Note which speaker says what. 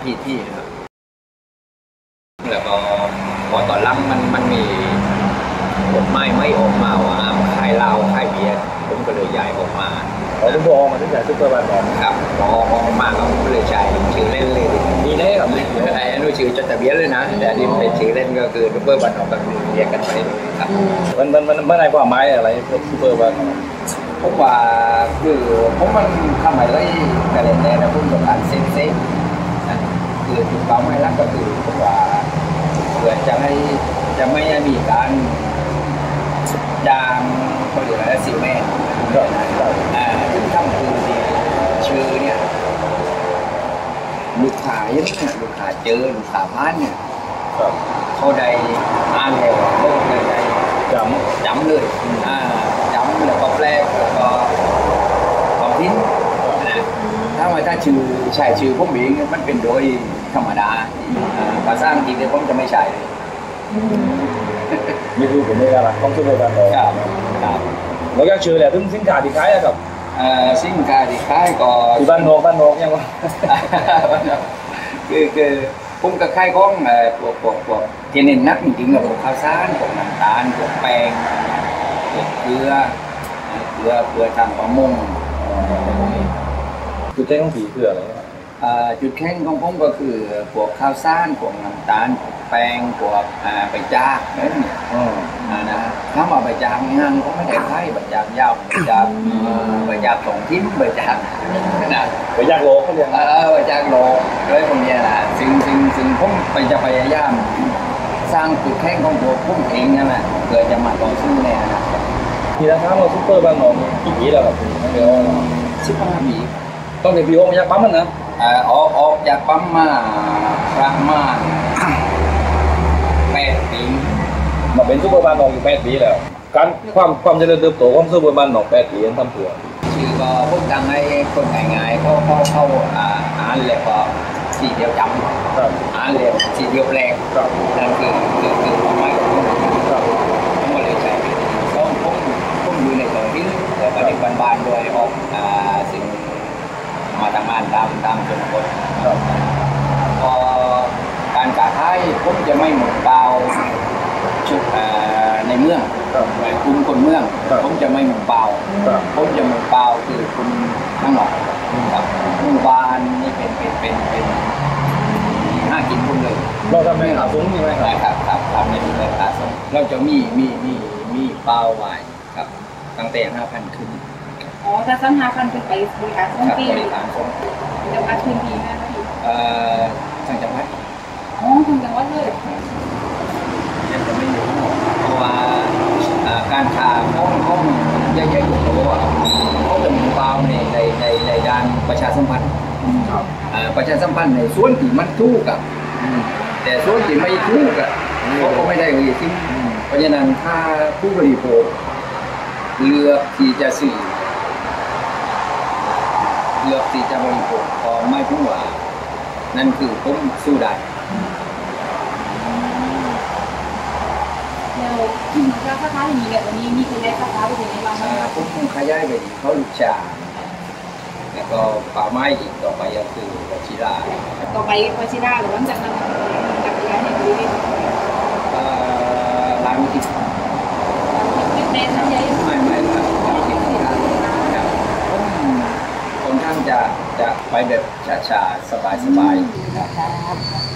Speaker 1: ที่นะครับแล้วก็พอตอนหลังมันมีกฎหมายไม่ออกมาว่าค่ายเหล้าค่ายเบียร์ผมก็เลยย้ายออกมา
Speaker 2: ผมบอกมาตั้งแต่ซุปเปอร์บาร์บอก
Speaker 1: ครับพอออกมาก็เลยใช้ชื่อเล่นเลยมีได้กับไอ้นู่นชื่อจดทะเบียนเลยนะแต่นี่เป็นชื่อเล่นก็คือซุปเปอร์บาร์บอกกันเรียกกันไปครับ
Speaker 2: มันในความหมายอะไรซุปเปอร์บาร์
Speaker 1: ผมว่าคือผมมันทำอะไรกันเลยนะผมต้องการเซฟคือจุดเป้าหมายหลักก็คือผมว่าเพื่อจะไม่มีการยางเขาเรียกอะไรซิลแมนซึ่งทำคือชื่อเนี่ยลูกค้ายังเนี่ยลูกค้าเจอลูกค้าพานเนี่ยเขาได้อ่านแล้วโลกได้จำเลยจำแล้วก็แปลแล้วก็ของทิ้งนะถ้าใช้ชื่อผมเองมันเป็นโดยธรรมดาภาษาอังกฤษเนี่ยผมจะไม่ใช่เลย
Speaker 2: นี่คือผมไม่ได้ละต้องช่วยกันเลย
Speaker 1: ครับ
Speaker 2: แล้วก็ชื่อแหละถึงสินค้าที่ขายครับ
Speaker 1: สินค้าที่ขายก็
Speaker 2: ที่บ้านนอกยังวะ
Speaker 1: คือผมก็ขายของพวกที่เน้นนักจริงๆกับพวกข้าวสารพวกน้ำตาลพวกแป้งพวกเกลือทางประมง
Speaker 2: จุดแข็งของผีคืออะไร
Speaker 1: จุดแข็งของผมก็คือพวกข้าวสารพวกน้ำตาลแป้งพวกใบจากนั่นเนี่ยนะถ้ามาใบจากงานก็ไม่ได้ใช้ใบจากยาวใบจากสองทิ้นใบจากนะ
Speaker 2: ใบจากโลเขาเรียก
Speaker 1: ใบจากโลด้วยพวกนี้นะซึ่งผมจะพยายามสร้างจุดแข็งของตัวผมเองนั่นแหละเพื่อจะมาต่อสู้ในอนาคต
Speaker 2: ทีละครั้งเราซุปเปอร์บางหนองกี่ปีแล้วครับเดี๋ยว
Speaker 1: 15 ปี
Speaker 2: ต้องเป็นพี่โอ๊คมาจากปั๊มมันนะ
Speaker 1: ออกจากปั๊มมาประมาณ8 ปี
Speaker 2: มาเป็นซุปเปอร์บานหนองอยู่8 ปีแล้วการความเจริญเติบโตของซุปเปอร์บานหนอง8 ปีนั้นทำเพื่อ
Speaker 1: ชื่อก็พวกดังให้คนง่ายๆเขาอ่านเลยก็สีเดียวจำอ่านเลยสีเดียวแปลกนั่นคือความหมายของผมทั้งหมดเลยใช่ผมอยู่ในตรงที่แต่ก็ในบ้านด้วยออกสิ่งมาทำงานตามชนบทพอการกาท้ายผมจะไม่หมดเบาชุดในเมืองกลุ่มคนเมืองผมจะไม่หมดเบาผมจะหมดเบาคือคุณทั้งหมดครับหมู่บ้านนี่เป็นห้ากินพุ่งเลย
Speaker 2: เราทำในขาซุ้งใช่ไหม
Speaker 1: ครับทำในขาซุ้งเราจะมีเบาไว้ครับตั้งแต่ 5,000 ขึ้น
Speaker 3: ถ้าสั้น5,000ขึ้นไปบริการส่งฟรีจะพัดพื้นที่ไหมคะพี่
Speaker 1: ทางจังหวัด
Speaker 3: ทางจังหวัดเลย
Speaker 1: ยังจะไม่รู้เพราะว่าการทางห้องเยอะๆอยู่เพราะว่าเขาจะมีเบาในด้านประชาสัมพันธ์ประชาสัมพันธ์ในส่วนที่มันถูกกับแต่ส่วนที่ไม่ถูกเขาก็ไม่ได้เลยที่เพราะฉะนั้นถ้าผู้บริโภคเลือกที่จะซื้อเลือกที่จะบริโภคพอไม่พุ่งหวานั่นคือผมสู้ได้
Speaker 3: แล้วราคาอย่างนี้แบบวันนี้มีคนได้ราคาไปถึงไหนบ้าง
Speaker 1: ผมขยายไปเขาลูกชาแล้วก็ป่าไม้อีกต่อไปก็คือวชิรา
Speaker 3: ต่อไปวชิราหรือหลังจากนั้นจากย้ายในบริเวณ
Speaker 1: ร้านวิธี
Speaker 3: แม่ทำใหญ่
Speaker 1: ไม่ค่อนข้างจะไปแบบช้าๆสบายๆ